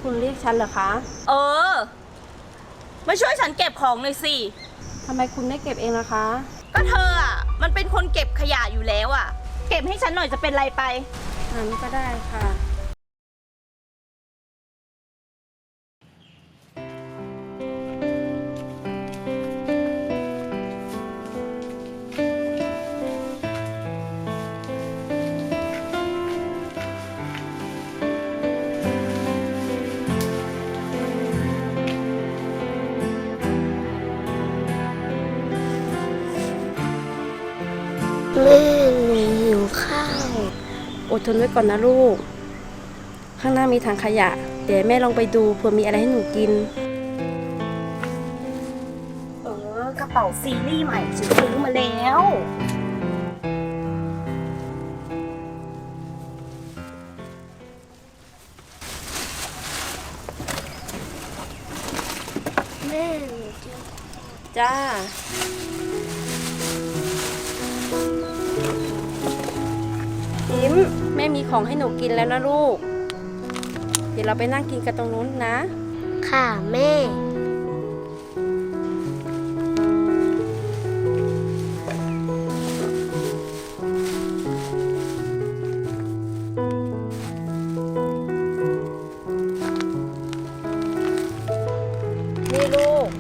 คุณเรียกฉันเหรอคะเออมาช่วยฉันเก็บของหน่อยสิทำไมคุณไม่เก็บเองล่ะคะก็เธออ่ะมันเป็นคนเก็บขยะอยู่แล้วอ่ะ เก็บให้ฉันหน่อยจะเป็นไรไปงั้นก็ได้ค่ะแม่หนูหิวข้าวอดทนไว้ก่อนนะลูก ข้างหน้ามีถังขยะ เดี๋ยวแม่ลองไปดูเผื่อมีอะไรให้หนูกินกระเป๋าซีรีส์ใหม่ฉันซื้อมาแล้วแม่หนูจะจ้า ยิ้มแม่มีของให้หนูกินแล้วนะลูก เดี๋ยวเราไปนั่งกินกันตรงนู้นนะค่ะแม่นี่ลูก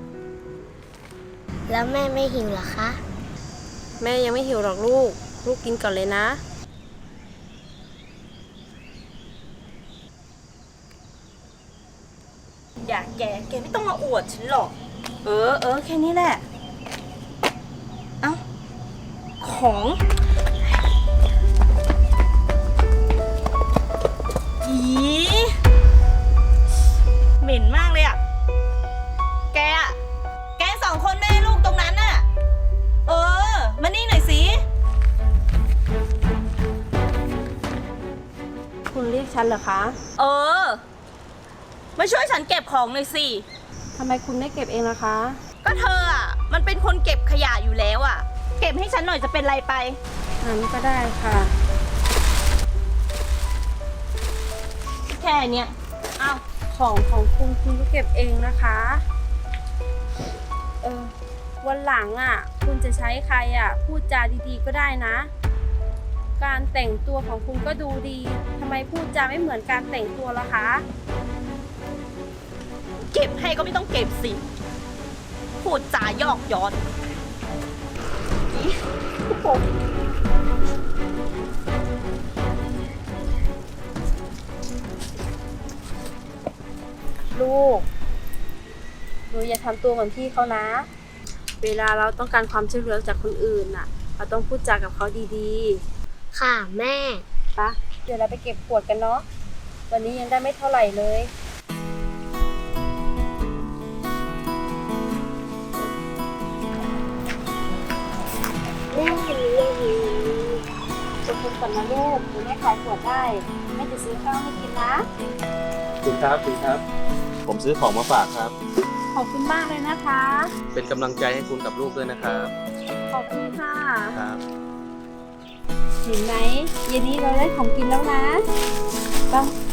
แล้วแม่ไม่หิวเหรอคะแม่ยังไม่หิวหรอกลูก ลูกกินก่อนเลยนะอย่าแกไม่ต้องมาอวดฉันหรอก แค่นี้แหละ เอ้า ของอีเหม็นมากเลยอ่ะ แกสองคนแม่ลูกตรงนั้นน่ะ มานี่หน่อยสิคุณเรียกฉันเหรอคะมาช่วยฉันเก็บของหน่อยสิทำไมคุณไม่เก็บเองล่ะคะก็เธออ่ะมันเป็นคนเก็บขยะอยู่แล้วอ่ะ เก็บให้ฉันหน่อยจะเป็นไรไปงั้นก็ได้ค่ะแค่เนี้ยอ้าวของคุณคุณก็เก็บเองนะคะ วันหลังอ่ะ คุณจะใช้ใครอ่ะ พูดจาดีๆก็ได้นะ การแต่งตัวของคุณก็ดูดีทำไมพูดจาไม่เหมือนการแต่งตัวล่ะคะเก็บให้ก็ไม่ต้องเก็บสิ พูดจายอกย้อนอีโอ้โหลูก หนูอย่าทำตัวเหมือนพี่เขานะ เวลาเราต้องการความช่วยเหลือจากคนอื่นน่ะ เราต้องพูดจากับเขาดีค่ะแม่ๆปะเดี๋ยวเราไปเก็บขวดกันเนาะ วันนี้ยังได้ไม่เท่าไหร่เลยแม่หนูยังหิวขอบคุณก่อนนะลูกหนูไม่ขายขวดได้แม่จะซื้อข้าวให้กินนะคุณครับคุณครับ ผมซื้อของมาฝากครับขอบคุณมากเลยนะคะเป็นกำลังใจให้คุณกับลูกด้วยนะครับขอบคุณค่ะครับเห็นไหมเย็นนี้เราได้ของกินแล้วนะต้อง